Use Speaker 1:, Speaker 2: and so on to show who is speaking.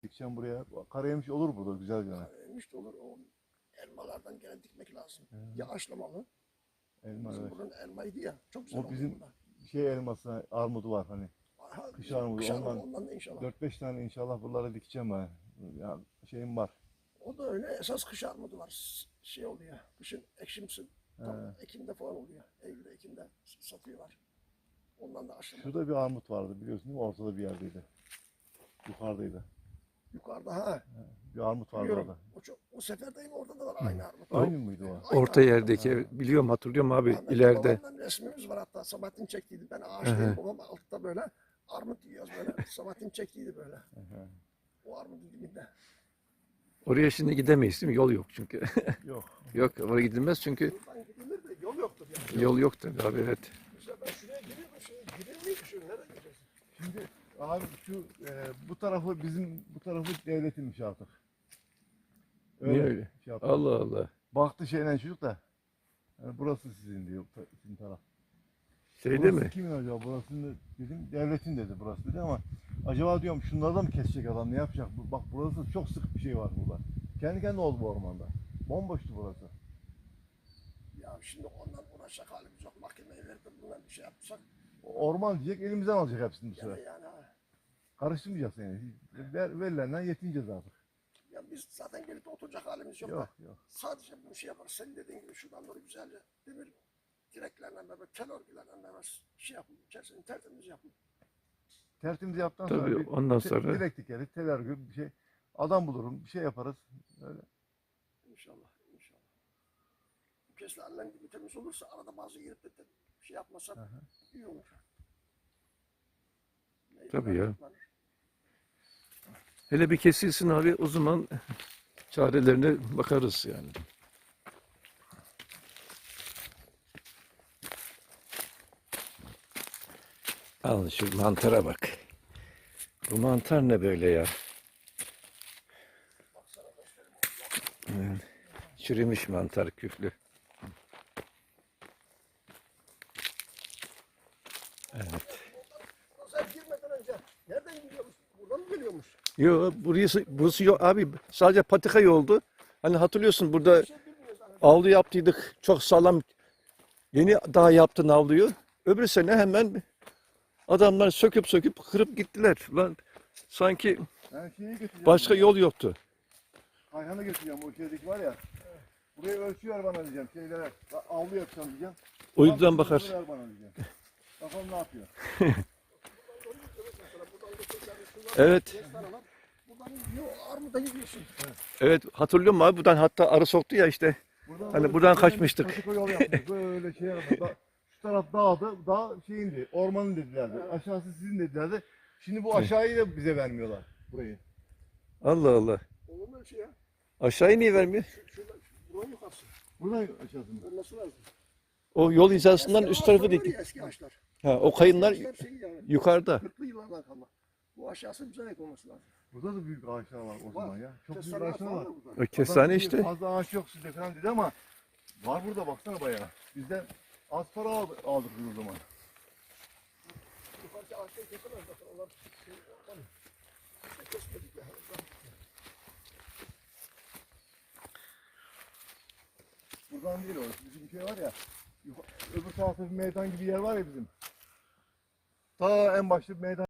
Speaker 1: Dikeceğim buraya. Karayemiş olur burada güzel gene.
Speaker 2: Karayemiş de olur. O elmalardan gene dikmek lazım.
Speaker 1: Evet.
Speaker 2: Yağışlamalı.
Speaker 1: Elma
Speaker 2: Bizim
Speaker 1: evet.
Speaker 2: buranın elmaydı ya. Çok güzel
Speaker 1: O
Speaker 2: oldu
Speaker 1: bizim
Speaker 2: burada.
Speaker 1: şey elması, armudu var hani.
Speaker 2: Aha,
Speaker 1: Kış armudu.
Speaker 2: kış armudu,
Speaker 1: Ondan
Speaker 2: ondan da inşallah.
Speaker 1: 4-5 tane inşallah buralara dikeceğim ben. Ya şeyim var.
Speaker 2: O da öyle. Esas kış armudu var. Şey oluyor. Kışın ekşimsi. Tam
Speaker 1: He.
Speaker 2: Ekim'de falan oluyor. Eylül'de, Ekim'de satıyorlar. Ondan da aşılama.
Speaker 1: Şurada bir armut vardı biliyorsun değil mi? Ortada bir yerdeydi. Yukarıdaydı.
Speaker 2: Yukarıda ha.
Speaker 1: Bir armut vardı
Speaker 2: Biliyorum.
Speaker 1: orada.
Speaker 2: O seferdeyim orada da var aynı armut.
Speaker 1: Aynı mıydı o?
Speaker 2: Aynı
Speaker 3: Orta
Speaker 2: armut.
Speaker 3: yerdeki ev, biliyorum, hatırlıyorum abi,
Speaker 2: Rahmetli
Speaker 3: ileride.
Speaker 2: babamdan resmimiz var hatta. Sabahattin çektiydi. Ben ağaçtayım. Babam altta böyle armut yiyoruz böyle. Sabahattin çektiydi böyle. O armudun dibinde.
Speaker 3: Oraya şimdi gidemeyiz değil mi? Yol yok çünkü.
Speaker 1: Yok.
Speaker 3: Yok, oraya gidilmez çünkü
Speaker 2: Buradan gidilir de yol yoktur yani.
Speaker 3: yol yok tabii abi, evet.
Speaker 2: Mesela ben şuraya giriyordum. Şuraya girilmiyor. Şuraya nereye gideceğiz?
Speaker 1: Şimdi abi şu bu tarafı bizim bu tarafı devletinmiş artık.
Speaker 3: Niye öyle?
Speaker 1: Şey yaptı.
Speaker 3: Allah Allah.
Speaker 1: Baktı şeyden çocuk da. Yani burası sizin diyor. Sizin taraf.
Speaker 3: Şeyde
Speaker 1: Burası
Speaker 3: mi?
Speaker 1: kimin acaba? Burasını dedim. Devletin dedi burası dedi ama acaba diyorum şunları da mı kesecek adam ne yapacak? Bak burası çok sık bir şey var burada. Kendi kendine oldu bu ormanda. Bomboştu burası.
Speaker 2: Ya şimdi ondan uğraşacak halimiz yok. Mahkemeye verip de bundan bir şey yapsak.
Speaker 1: Orman diyecek elimizden alacak hepsini bu
Speaker 2: Yani,
Speaker 1: sefer.
Speaker 2: yani ha.
Speaker 1: Karıştırmayacağız yani. Verilenden yetineceğiz artık.
Speaker 2: Ya biz zaten gelip oturacak halimiz yok,
Speaker 1: Yok
Speaker 2: da.
Speaker 1: yok.
Speaker 2: Sadece bu şey yaparız. Senin dediğin gibi şuradan doğru güzelce demir direklerle beraber, tel örgülerle beraber şey yapın. İçerisini tertemiz yapın.
Speaker 1: Tertemiz yaptıktan
Speaker 3: Tabii,
Speaker 1: sonra bir
Speaker 3: ondan sonra-
Speaker 1: direkt dikeriz, tel örgü bir şey. Adam bulurum, bir şey yaparız. Öyle.
Speaker 2: İnşallah, inşallah. Bu keslerle gibi temiz olursa arada bazı girip de şey yapmasak iyi olur. Neyse,
Speaker 3: Tabii ya.
Speaker 2: yapmalar.
Speaker 3: Hele bir kesilsin abi, o zaman çarelerine bakarız yani. Al şu mantara bak. Bu mantar ne böyle ya? Evet. Çürümüş mantar, küflü. Evet.
Speaker 2: Pazar girmeden önce nereden geliyormuş? Buradan mı geliyormuş?
Speaker 3: Yo, burası yok abi, sadece patika yoldu. Hani hatırlıyorsun, burada
Speaker 2: Bir şey bilmiyoruz. Hani.
Speaker 3: avlu yaptıydık, çok sağlam. Yeni daha yaptın avluyu. Öbür sene hemen adamlar söküp kırıp gittiler. Lan sanki
Speaker 1: Ben şeyi götüreceğim.
Speaker 3: başka yol yoktu.
Speaker 1: Kayhan'ı götüreceğim o şeydeki var ya. Buraya ölçü ver bana diyeceğim. Şeylere avlu yapacağım diyeceğim.
Speaker 3: O yüzden
Speaker 1: Tam
Speaker 3: bakar.
Speaker 1: ver bana diyeceğim. Bakalım ne yapıyor.
Speaker 3: Evet,
Speaker 2: Buradan gidiyor, armuda gidiyorsun.
Speaker 3: evet, hatırlıyorum abi, buradan hatta arı soktu ya işte. Hani buradan kaçmıştık.
Speaker 1: Patika yol yaptık. Böyle şey yaptık. Şu taraf dağdı. Dağ şeyindi. Ormanın dedilerdi. Aşağısı sizin dedilerdi. Şimdi bu aşağıyı da bize vermiyorlar. Burayı.
Speaker 3: Allah Allah.
Speaker 2: Olur mu öyle şey ya?
Speaker 3: Aşağıya niye vermiyor?
Speaker 2: Şurada, buranın yukarısı.
Speaker 1: Buradan aşağısı mı?
Speaker 2: Olması lazım.
Speaker 3: O yol hizasından üst tarafı
Speaker 2: ağaçlar var
Speaker 3: dik.
Speaker 2: ya, eski ağaçlar.
Speaker 3: Ha, o kayınlar
Speaker 2: Eski ağaçlar şey yani,
Speaker 3: yukarıda.
Speaker 2: 40'lı yıllardan kalma. Bu aşağısı bize ait olması lazım.
Speaker 1: Burada da büyük ağaçlar var o zaman ya. Çok büyük
Speaker 2: Kestane
Speaker 1: ağaçlar
Speaker 2: falan
Speaker 1: var.
Speaker 2: da burada.
Speaker 3: O kestane
Speaker 1: Adam
Speaker 3: işte.
Speaker 1: fazla ağaç yok sizde falan dedi ama var burada baksana bayağı. Bizden az para aldık biz o zaman.
Speaker 2: Yukarıki ağaçları kesemez zaten. Onlar şey, tabii. İşte kesmedik ya.
Speaker 1: Buradan değil o. Bizim şey var ya. Öbür tarafta bir meydan gibi yer var ya bizim. Ta en başta bir meydan.